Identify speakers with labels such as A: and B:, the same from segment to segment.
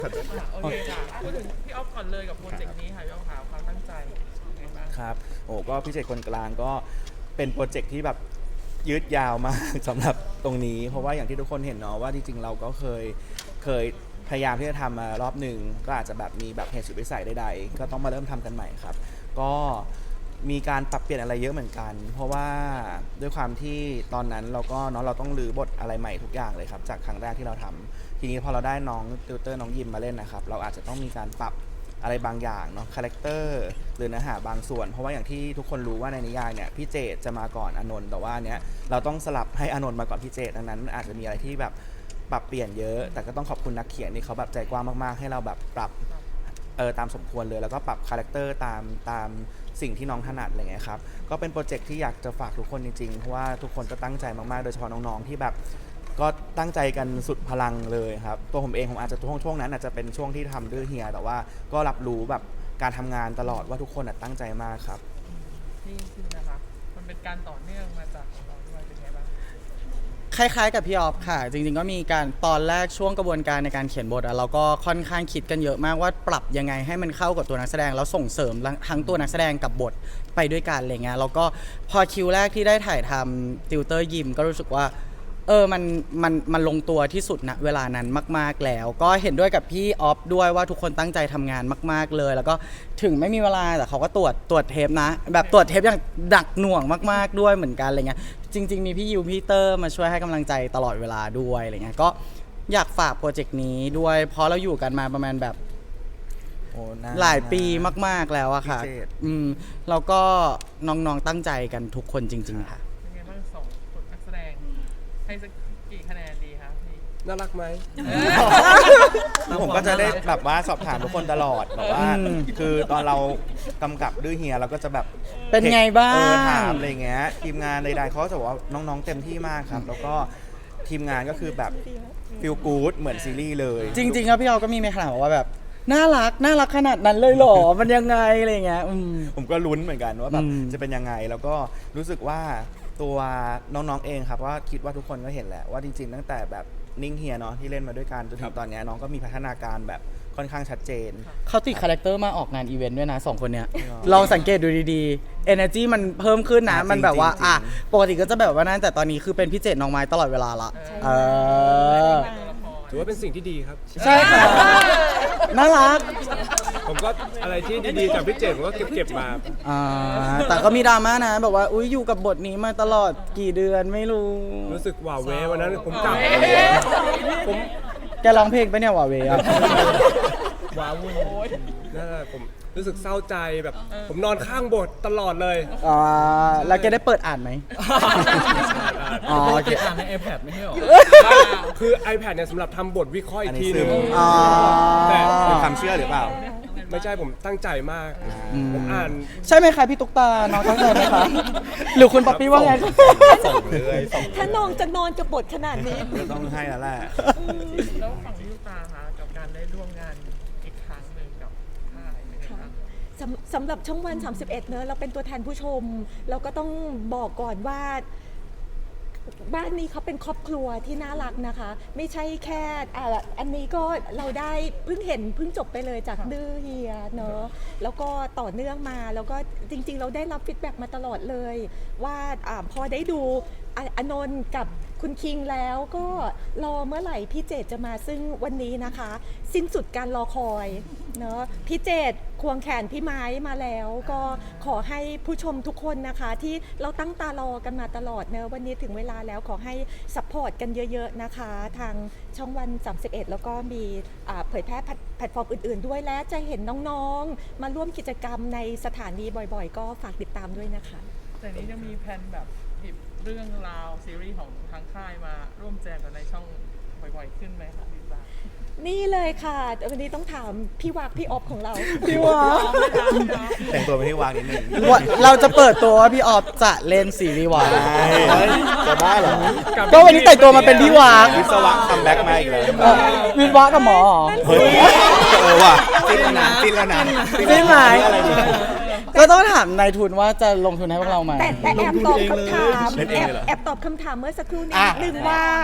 A: โอเคค่ะพูดถึงพี่ออฟก่อนเลยกับโปรเจกต์นี้ค่ะพี่ออฟค่ะความตั้งใจยังไงบ้าง
B: ครับโอ้ก็พิเศษคนกลางก็เป็นโปรเจกต์ที่แบบยืดยาวมาก สำหรับตรงนี้เพราะว่าอย่างที่ทุกคนเห็นเนาะว่าจริงๆเราก็เคยพยายามที่จะทำมารอบหนึ่งก็อาจจะแบบมีแบบเหตุสุดวิสัยใดๆก็ต้องมาเริ่มทำกันใหม่ครับก็มีการปรับเปลี่ยนอะไรเยอะเหมือนกัน เพราะว่าด้วยความที่ตอนนั้นเราก็เนาะเราต้องรื้อบทอะไรใหม่ทุกอย่างเลยครับจากครั้งแรกที่เราทำทีนี้พอเราได้น้องติวเตอร์น้องยิมมาเล่นนะครับเราอาจจะต้องมีการปรับอะไรบางอย่างเนาะคาแรคเตอร์หรือเนื้อหาบางส่วนเพราะว่าอย่างที่ทุกคนรู้ว่าในนิยายเนี่ยพี่เจตจะมาก่อนอานนท์แต่ว่าเนี้ยเราต้องสลับให้อานนท์มาก่อนพี่เจตดังนั้นอาจจะมีอะไรที่แบบปรับเปลี่ยนเยอะแต่ก็ต้องขอบคุณนักเขียนที่เขาแบบใจกว้างมากๆให้เราแบบปรับตามสมควรเลยแล้วก็ปรับคาแรคเตอร์ตามสิ่งที่น้องถนัดอะไรเงี้ยครับก็เป็นโปรเจกต์ที่อยากจะฝากทุกคนจริงๆเพราะว่าทุกคนก็ตั้งใจมากๆโดยเฉพาะน้องๆที่แบบก็ตั้งใจกันสุดพลังเลยครับตัวผมเองผมอาจจะช่วงนั้นอาจจะเป็นช่วงที่ทำด้วยเฮียแต่ว่าก็รับรู้แบบการทำงานตลอดว่าทุกคนตั้งใจมากครับ
A: นี่คือนะคะมันเป็นการต่อเนื่องมาจากของเราด้วยเป็นไงบ้าง
C: คล้ายๆกับพี่ออฟค่ะจริงๆก็มีการตอนแรกช่วงกระบวนการในการเขียนบทเราก็ค่อนข้างคิดกันเยอะมากว่าปรับยังไงให้มันเข้ากับตัวนักแสดงแล้วส่งเสริมทั้งตัวนักแสดงกับบทไปด้วยกันอะไรเงี้ยแล้วก็พอคิวแรกที่ได้ถ่ายทำติวเตอร์ยิมก็รู้สึกว่ามันลงตัวที่สุดณเวลานั้นมากๆแล้วก็เห็นด้วยกับพี่ออฟด้วยว่าทุกคนตั้งใจทำงานมากๆเลยแล้วก็ถึงไม่มีเวลาแต่เขาก็ตรวจเทปนะแบบตรวจเทปอย่างหนักหน่วงมากๆด้วยเหมือนกันอะไรเงี้ยจริงๆมีพี่ยิวพี่เตอร์มาช่วยให้กำลังใจตลอดเวลาด้วยอะไรเงี้ยก็อยากฝากโปรเจกต์นี้ด้วยเพราะเราอยู่กันมาประมาณแบบหลายปีมากๆแล้วอะค่ะแล้วก็น้องๆตั้งใจกันทุกคนจริงๆค่ะ
A: เป็นไงบ้างสองคนนักแสดงให้สักกี่คะแนนดีคะพี่
D: น่ารักไหม
B: ผมก็จะได้แบบว่าสอบถามทุกคนตลอดแบบว่าคือตอนเรากำกับด้วยเฮียเราก็จะแบบ
C: เป็นไงบ้าง
B: ถามอะไรเงี้ยทีมงานใดๆเขาจะบอกว่าน้องๆเต็มที่มากครับแล้วก็ทีมงานก็คือแบบฟีลกู๊ดเหมือนซีรีส์เลย
C: จริงๆครับพี่ออก็มีในขนาดบอกว่าแบบน่ารักขนาดนั้นเลยเหรอ มันยังไงอะไรเงี้ย
B: ผมก็ลุ้นเหมือนกันว่าแบบจะเป็นยังไงแล้วก็รู้สึกว่าตัวน้องๆเองครับว่าคิดว่าทุกคนก็เห็นแหละว่าจริงๆตั้งแต่แบบนิ่งเฮียเนาะที่เล่นมาด้วยกันจนถึงตอนนี้น้องก็มีพัฒนาการแบบค่อนข้างชัดเจน
C: เขาติดคาแรคเตอร์มาออกงานอีเวนต์ด้วยนะ2คนเนี้ยลองสังเกตดูดีๆ energy มันเพิ่มขึ้นนะมันแบบว่าปกติก็จะแบบว่านั่นแต่ตอนนี้คือเป็นพี่เจตน้องไม้ตลอดเวลาละ
D: ถือว่าเป็นสิ่งที่ดีครับ
C: ใช่ค่ะน่ารัก
D: ผมก็อะไรที่ดีๆจากพี่เจตผมก็เก็บมา
C: แต่ก็มีดราม่านะแบบว่าอุ้ยอยู่กับบทนี้มาตลอดกี่เดือนไม่รู้
D: สึกหว่าเววันนั้นผมกลับผม
C: แกร้องเพลงไปเนี่ยหว่าเวอะ
D: ว้าวุ่นนั่นแหละผมรู้สึกเศร้าใจแบบผมนอนข้างบทตลอดเลย
C: แล้วแกได้เปิดอ่านไหม
E: เก็บอ่านใน iPad ไม่ใช่หรอ
D: คือ iPad เนี่ยสำหรับทำบทวิเคราะห์อีกทีนึง
B: แต่เป็นความเชื่อหรือเปล่า
D: ไม่ใช่ผมตั้งใจมากผมอ่าน
C: ใช่ไหมคะพี่ตุ๊กตาน้องตั้งใจไหมคะหรือคุณป๊อปปี้ว่าไง
F: ถ้าน้องจะนอนกับบทขนาดนี้
B: ต้องให้แล้วแหละ
A: แล้วฝั่งพี่ตุ๊กตาคะกับการได้ร่วมงานอีกครั้งหนึ่งกับค่ายเป็นไงบ้าง
F: สำหรับช่องวัน31เนอะเราเป็นตัวแทนผู้ชมเราก็ต้องบอกก่อนว่าบ้านนี้เขาเป็นครอบครัวที่น่ารักนะคะไม่ใช่แค่อันนี้ก็เราได้เพิ่งจบไปเลยจากดื้อเฮียเนอะแล้วก็ต่อเนื่องมาแล้วก็จริงๆเราได้รับฟีดแบ็กมาตลอดเลยว่าพอได้ดูอนนท์กับคุณคิงแล้วก็รอเมื่อไหร่พี่เจตจะมาซึ่งวันนี้นะคะสิ้นสุดการรอคอยเนาะพี่เจตควงแขนพี่ไม้มาแล้วก็ขอให้ผู้ชมทุกคนนะคะที่เราตั้งตารอกันมาตลอดเนอะวันนี้ถึงเวลาแล้วขอให้ซัพพอร์ตกันเยอะๆนะคะทางช่องวัน31แล้วก็มีเผยแพร่แพลตฟอร์มอื่นๆด้วยและจะเห็นน้องๆมาร่วมกิจกรรมในสถานีบ่อยๆก็ฝากติดตามด้วยนะคะ
A: แต่นี้จะมีแผนแบบหยิบเรื่องราวซีรีส์ของทางค่ายมาร่วมแจมกันในช่องบ่อยๆขึ้นไหมคะพี่ปลา
F: นี่เลยค่ะวันนี้ต้องถามพี่วักพี่ออฟของเรา
C: พี่วัก
B: แต่งตัวเป็นพี่วางนิดนึง
C: เราจะเปิดตัวว่าพี่ออฟจะเล่นซีรีส์วาย
B: จะบ้าเหรอ
C: ก็วันนี้แต่งตัวมาเป็นพี่วัก
B: วิศวะคัมแบ็กมาอีกแล้ว
C: วิศวะกับหมอ
B: ว่ะจิ้นแล้วนะ
C: จิ้นไหมก็ต้องถามนายทุนว่าจะลงทุนให้พวกเราไหม
F: แต่แอบตอบคำถามเมื่อสักครู่นี้นึงว่า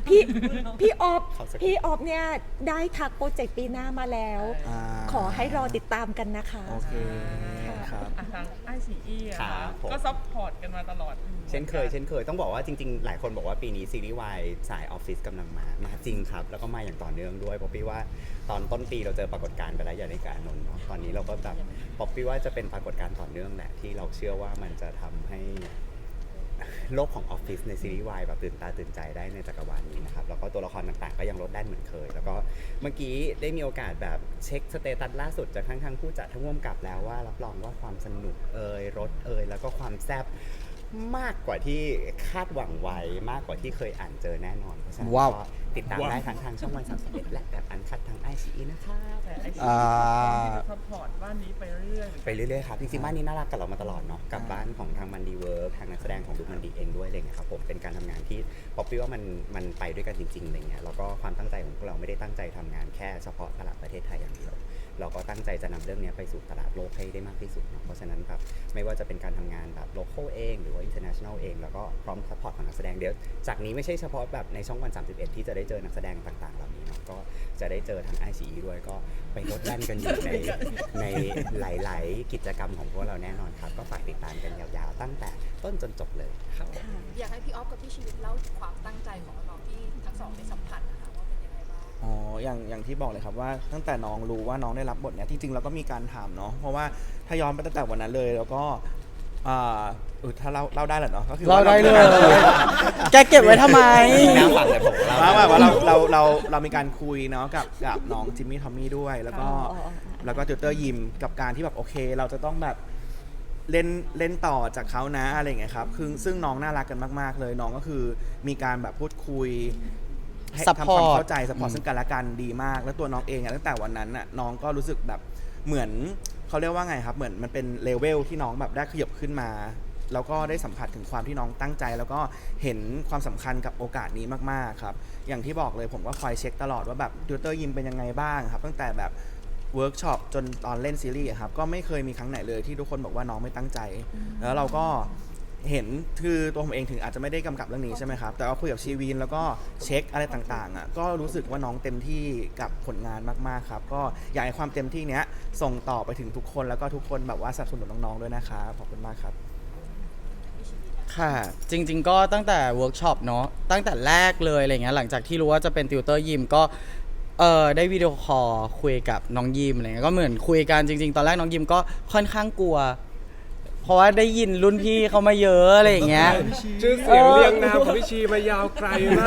F: พี่ออฟพี่ออฟเนี่ยได้ทักโปรเจกต์ปีหน้ามาแล้ว
B: อ่า
F: ขอให้รอติดตามกันนะคะ
B: โอเคครับ
A: อ่ะทางไอซีอีอะ
E: ครั
A: ค่ะ
E: บผม
A: ก็ซัพพอร์ตกันมาตลอด
E: เช่นเคยต้องบอกว่าจริงๆ หลายคนบอกว่าปีนี้ซีรีส์วายสายออฟฟิศกำลังมาจริงครับ แล้วก็มาอย่างต่อเนื่องด้วยป๊อปปี้ว่าตอนต้นปีเราเจอปรากฏการณ์ไปแล้วอย่างในการนนท์เนาะตอนนี้เราก็แบบป๊อปปี้ว่าจะเป็นปรากฏการณ์ต่อเนื่องแหละที่เราเชื่อว่ามันจะทำให้โลกของออฟฟิศในซีรีส์วายแบบตื่นตาตื่นใจได้ในจักรวาลนี้นะครับแล้วก็ตัวละครต่างๆก็ยังลดแล่นเหมือนเคย แล้วก็เมื่อกี้ได้มีโอกาสแบบเช็คสเตตัสล่าสุดจากทั้งผู้จัดทั้งร่วมกับแล้วว่ารับรองว่าความสนุกรสแล้วก็ความแซ่บมากกว่าที่คาดหวังไว้มากกว่าที่เคยอ่านเจอแน่นอนเพราะฉะนั้น
C: ว้าว
E: ก็ติดตามได้ทางช่องวัน31และแบบอันคัดทาง ICE นะครับ
A: แต่ไอซี
C: อ่า
A: ซัพพอร์ตบ้านนี้ไปเรื่อยๆ
E: ไปเรื่อยๆครับจริงๆบ้านนี้น่ารักกับเรามาตลอดเนาะกับบ้านของทางมันดีเวิร์กทางนักแสดงของดูมันดีเองด้วยอะไรเงี้ยครับผมเป็นการทำงานที่ป๊อปปี้ว่ามันไปด้วยกันจริงๆอะไรเงี้ยแล้วก็ความตั้งใจของพวกเราไม่ได้ตั้งใจทำงานแค่เฉพาะตลาดประเทศไทยอย่างเดียวเราก็ตั้งใจจะนำเรื่องนี้ไปสู่ตลาดโลกให้ได้มากที่สุดเนาะเพราะฉะนั้นครับไม่ว่าจะเป็นการทำงานแบบโลคอลเองหรือว่า international เองแล้วก็พร้อมซัพพอร์ตของนักแสดงเดี๋ยวจากนี้ไม่ใช่เฉพาะแบบในช่องวัน31ที่จะได้เจอนักแสดงต่างๆเหล่านี้เนาะก็จะได้เจอทาง ICE ด้วยก็ไปลดแล่นกันอยู่ในหลายๆกิจกรรมของพวกเราแน่นอนครับก็ฝากติดตามกันยาวๆตั้งแต่ต้นจนจบเลยครับ
G: อยากให้พี่ออฟกับพี่ชีวิตเล่าถึงความตั้งใจของน้องๆที่ทั้งสองได้สัมผัสนะคะว่าเป็นยังไงบ้าง
B: อ๋ออย่างที่บอกเลยครับว่าตั้งแต่น้องรู้ว่าน้องได้รับบทเนี้ยจริงๆเราก็มีการถามเนาะเพราะว่าถ้าย้อนไปตั้งแต่วันนั้นเลยแล้วก็ถ้าเล่าได้แหละเนาะก็คือ
C: เรา
B: ว่า
C: ได้เลย แกเก็บไว้ทำไม
E: น่าฟังเลยผม
B: ว่าเรามีการคุยเนาะกับน้องจิมมี่ทอมมี่ด้วยแล้วก็ติวเตอร์ยิมกับการที่แบบโอเค เราจะต้องแบบเล่นต่อจากเขานะอะไรอย่างเงี้ยครับคือซึ่งน้องน่ารักกันมากๆเลยน้องก็คือมีการแบบพูดคุยให้ทำความ
C: Support
B: เข้าใจสปอร์ตซึ่งกันและกันดีมาก แล้วตัวน้องเองอะตั้งแต่วันนั้นน่ะน้องก็รู้สึกแบบเหมือนเขาเรียกว่าไงครับเหมือนมันเป็นเลเวลที่น้องแบบได้ขยับขึ้นมาแล้วก็ได้สัมผัสถึงความที่น้องตั้งใจ แล้วก็เห็นความสำคัญกับโอกาสนี้มากๆครับอย่างที่บอกเลยผมก็คอยเช็คตลอดว่าแบบติวเตอร์ยิมเป็นยังไงบ้างครับตั้งแต่แบบเวิร์กช็อปจนตอนเล่นซีรีส์อะครับก็ไม่เคยมีครั้งไหนเลยที่ทุกคนบอกว่าน้องไม่ตั้งใจ แล้วเราก็เห็นคือตัวผมเองถึงอาจจะไม่ได้กำกับเรื่องนี้ใช่ไหมครับแต่ว่าคุยกับชีวินแล้วก็เช็คอะไรต่างๆอ่ะก็รู้สึกว่าน้องเต็มที่กับผลงานมากๆครับก็อยากให้ความเต็มที่เนี้ยส่งต่อไปถึงทุกคนแล้วก็ทุกคนแบบว่าสนับสนุนน้องๆด้วยนะครับขอบคุณมากครับ
C: ค่ะ จริงๆก็ตั้งแต่เวิร์กช็อปเนาะตั้งแต่แรกเลยอะไรเงี้ยหลังจากที่รู้ว่าจะเป็นติวเตอร์ยิมก็ได้วิดีโอคอลคุยกับน้องยิมอะไรเงี้ยก็เหมือนคุยกันจริงๆตอนแรกน้องยิมก็ค่อนข้างกลัว เพราะว่าได้ยินรุ่นพี่เขามาเยอะอะไรอย่างเงี้ย
D: ชื่อเสียงเรียงนามของพี่ชีมายาวไกลมาก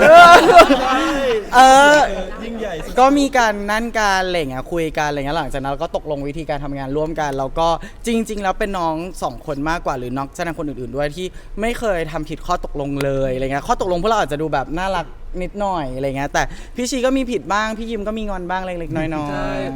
C: ยิ่งใหญ่ก็มีการนั่นการอะไรเงี้ยคุยกันอะไรเงี้ยหลังจากนั้นเราก็ตกลงวิธีการทำงานร่วมกันแล้วก็จริง ๆ แล้วเป็นน้องสองคนมากกว่าหรือน้องแสดงคนอื่นๆด้วยที่ไม่เคยทำผิดข้อตกลงเลยอะไรเงี้ยข้อตกลงพวกเราอาจจะดูแบบน่ารักนิดหน่อยอะไรเงี้ยแต่พี่ชีก็มีผิดบ้างพี่ยิมก็มีงอนบ้างเล็กๆน้อย
D: ใช่
C: ๆ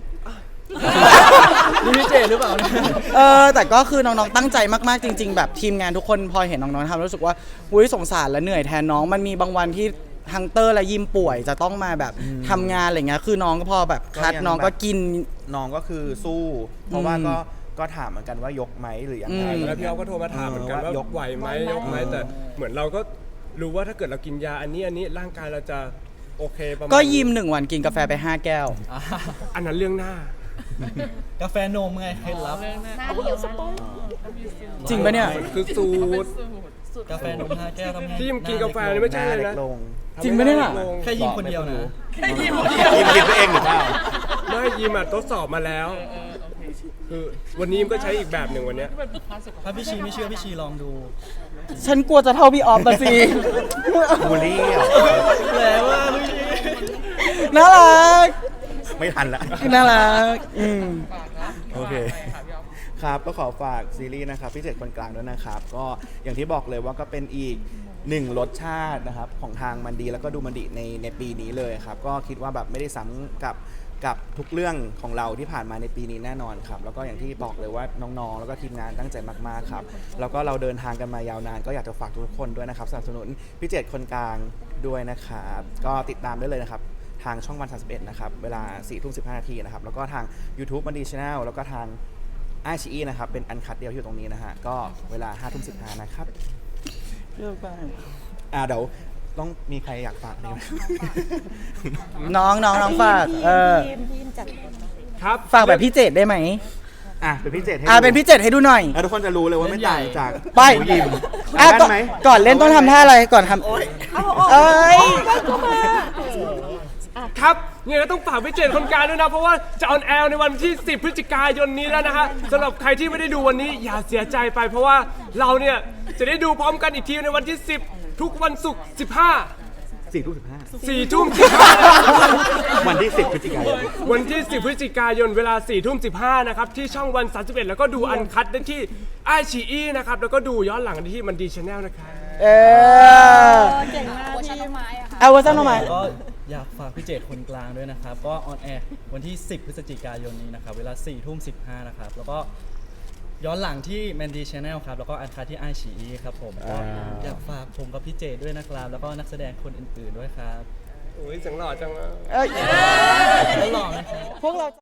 H: นี่พี่เจหรือเปล่าเนี่ย
C: แต่ก็คือน้องๆตั้งใจมากๆจริง ๆ แบบทีมงานทุกคนพอเห็นน้องๆทำรู้สึกว่าอุ้ยสงสารและเหนื่อยแทนน้องมันมีบางวันที่ฮังเตอร์และยิมป่วยจะต้องมาแบบทำงานอะไรเงี้ยคือน้องก็พอแบบคัด
B: ก็ยัง
C: น้องก็กิน
B: น้องก็คือสู้ เพราะว่าก็ถามเหมือนกันว่ายกไหมหรือยังไง
C: อืม
D: แล้วพี่อ๊อฟก็โทรมาถามเหมือนกันว่ายกไหวไหมยกไหมแต่เหมือนเราก็รู้ว่าถ้าเกิดเรากินยาอันนี้ร่างกายเราจะโอเคประมาณ
C: ก็ยิม1 วันกินกาแฟไป5 แก้ว
D: อันนั้นเรื่องหน้า
H: กาแฟนมไงเคล็ดลับ
A: เรื่องหน้า
F: เดี๋ยวสปอย
C: จริงปะเนี่ย
D: มันคือสูตร
A: สูตร
H: กาแฟนม5 แก้วทำไง
D: ที่ยิมกินกาแฟนี่ไม่ใช่เลย
B: เล็
D: นะ
B: กลง
C: จริงปะเนี่ย
D: ลง
H: แค่ยิงคนเดียวนะ
B: ยิมกินตัวเองหรือเปล่า
D: ไม่ยิมทดสอบมาแล้ว คือวันนี้ยิมก็ใช้อีกแบบหนึ่งวันเนี้ย
A: เป็นบุคคลสุขภา
H: ถ้า
A: พ
H: พี่ชีไม่เชื่อพี่ชีลองดู
C: ฉันกลัวจะเท่าพี่ออฟมาสิ
B: บูลลี่เหรอ
H: แล้วว่าพี่ชี
C: น่ารัก
B: ไม่ทันละ
C: น่ารัก
A: ฝากนะ
B: โอเค
A: ฝากไปค่ะพี่อ๊อฟ
B: ครับก็ขอฝากซีรีส์นะครับพิเศษคนกลางด้วยนะครับก็อย่างที่บอกเลยว่าก็เป็นอีกหนึ่งรสชาตินะครับของทางมันดีแล้วก็ดูมันดีในปีนี้เลยครับก็คิดว่าแบบไม่ได้ซ้ำกับทุกเรื่องของเราที่ผ่านมาในปีนี้แน่นอนครับแล้วก็อย่างที่บอกเลยว่าน้องๆแล้วก็ทีมงานตั้งใจมากๆครับแล้วก็เราเดินทางกันมายาวนานก็อยากจะฝากทุกคนด้วยนะครับสนับสนุนพิเศษคนกลางด้วยนะครับก็ติดตามได้เลยนะครับทางช่องวัน31นะครับเวลา 4:15 นาทีนะครับแล้วก็ทาง YouTube มันดี Channel แล้วก็ทางICE นะครับเป็นอันคัดเดียวที่อยู่ตรงนี้นะฮะก็เวลา 5:15 นะครับเดี๋ยวต้องมีใครอยากฝากไหม
C: น้องฝาก
F: ทีมจัด
D: ครับ
C: ฝากแบบพี่เจดได้ไหม
B: อ่ะเป็นพี่เจตให้
C: เป็นพี่เจดให้ดูหน่อย
B: แล้วทุกคนจะรู้เลยว่าไม่ต่างจาก
C: ไป
B: หมูยิม
C: อ่ะ
B: ได้ไหม
C: ก่อนเล่นต้องทำท่าอะไรก่อนทำเอ้ย
D: ครับเนี่ยก็ต้องฝากพี่เจตคนกลางด้วยนะ เพราะว่าจะออนแอร์ในวันที่ 10 พฤศจิกายนนี้แล้วนะฮะสำหรับใครที่ไม่ได้ดูวันนี้อย่าเสียใจไป เพราะว่าเราเนี่ยจะได้ดูพร้อมกันอีกทีในวันที่ 10 ทุกวันศุกร์
B: 4 ทุ่ม 15
D: 4 ทุ่ม 15
B: วันที่ 10 พฤศจิกายน
D: วันที่ 10 พฤศจิกายนเวลา 4 ทุ่ม 15 นะครับ ที่ช่องวัน 31 แล้วก็ดูอันคัดได้ที่ไอชีอีนะครับ แล้วก็ดูย้อนหลังได้ที่มันดีชาแนลนะครับ
F: เก่งมาก
G: เวอร์ชันต้นไม้อะค่ะ
C: เอาเวอร์ชันออกมา
H: ก็อยากฝากพี่เจตคนกลางด้วยนะครับ ก็ออนแอร์วันที่ 10 พฤศจิกายนนี้นะครับ เวลา 4 ทุ่ม 15 นะครับ แล้วก็ย้อนหลังที่ Mandy Channel ครับ แล้วก็อันคัดที่ไอชีอีครับผมก็อยากฝากผมกับพี่เจตด้วยนะครับ แล้วก็นักแสดงคนอื่นๆด้วยครับ
D: โอ้ยเสียงหล่อจังเลย
C: เอ้ย
H: แล้วหล่อไหมครับ
C: พวกเรา